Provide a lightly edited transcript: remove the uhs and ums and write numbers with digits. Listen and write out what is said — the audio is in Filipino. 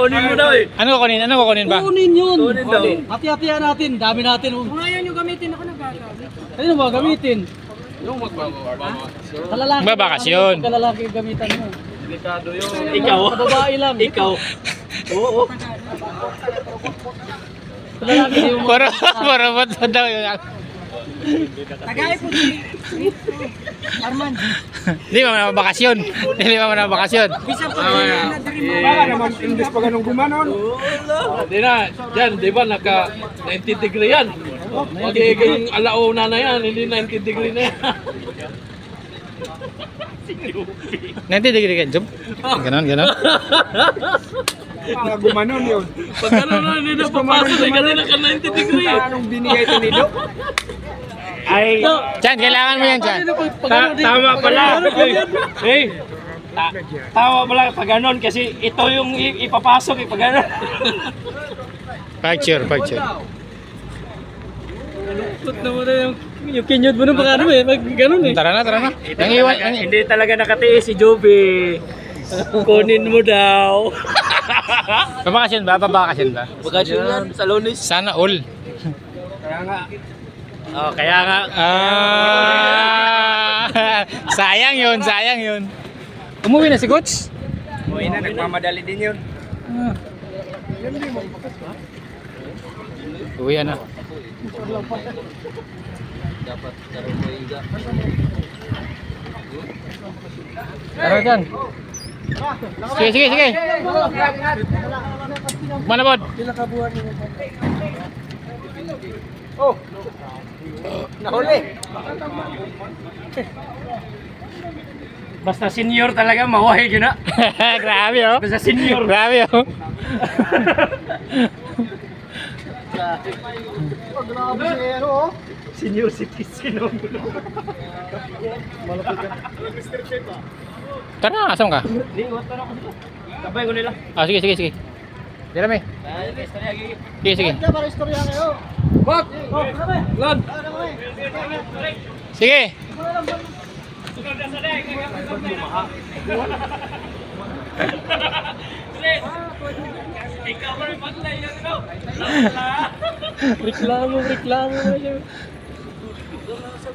Kunin mo daw eh. Ano kukunin? Ano kukunin ba? Kunin yun. Kunin daw. Hati-hatihan natin. Dami natin. Kung ayaw nyo gamitin, ako nagagamit. Ano ba gamitin? Yung Kalalaki. Magbabakasyon. Kalalaki gamitan mo. delikado yun. Ikaw? Babae lang. Ikaw. Oo. Kalalaki yung Puro ba't daw yun? Tagay po si Arman. Hindi mo na bakasyon. Hindi mo na bakasyon. Bisa po na dream mo. Baka naman imbes pa ganun gumanon. Hindi na. Diyan, di ba naka 90 degree yan. Magiging alauna na yan, hindi 90 degree na yan. 90 degree ka, Job? Ganon, ganon. Gumanon yun. Pag gano'n na, hindi na papasok eh, kasi naka 90 degree. Anong binigay ito ni Doc? Ay, Chan, kailangan mo yan, Chan. tama pala. Hey, tama pala pag ganon kasi ito yung ipapasok pag ganon. Picture, picture. Put na mo na yung kinyod mo nung baka ano eh. Pag ganun eh. Tara na, tara na. Ang iwan. Hindi talaga nakatiis si Joby. Kunin mo daw. Babakasyon ba? Babakasyon ba? Bakasyon yan sa Lunes. Sana all. Kaya nga. Oh, kaya nga. Sayang yun, sayang yun. Umuwi na si Coach? Uy na, nagmamadali din yun. Uwi na. Dapat karoon mo iga. Tara dyan. Sige, sige, sige. Manabod. Oh! Nahuli! Basta senior talaga, mawahi yun na. Grabe oh. Basta senior. Grabe oh. Grabe si ano oh. Senior citizen. Tara na, asan ka? Hindi, iwat na ako dito. Sabay ko nila. Ah, sige, sige, sige. Dira may. Sige, sige. Para istorya kayo. Bak! Lad! Sige. Ikaw pa rin paglay yan, no? Reklamo na siya.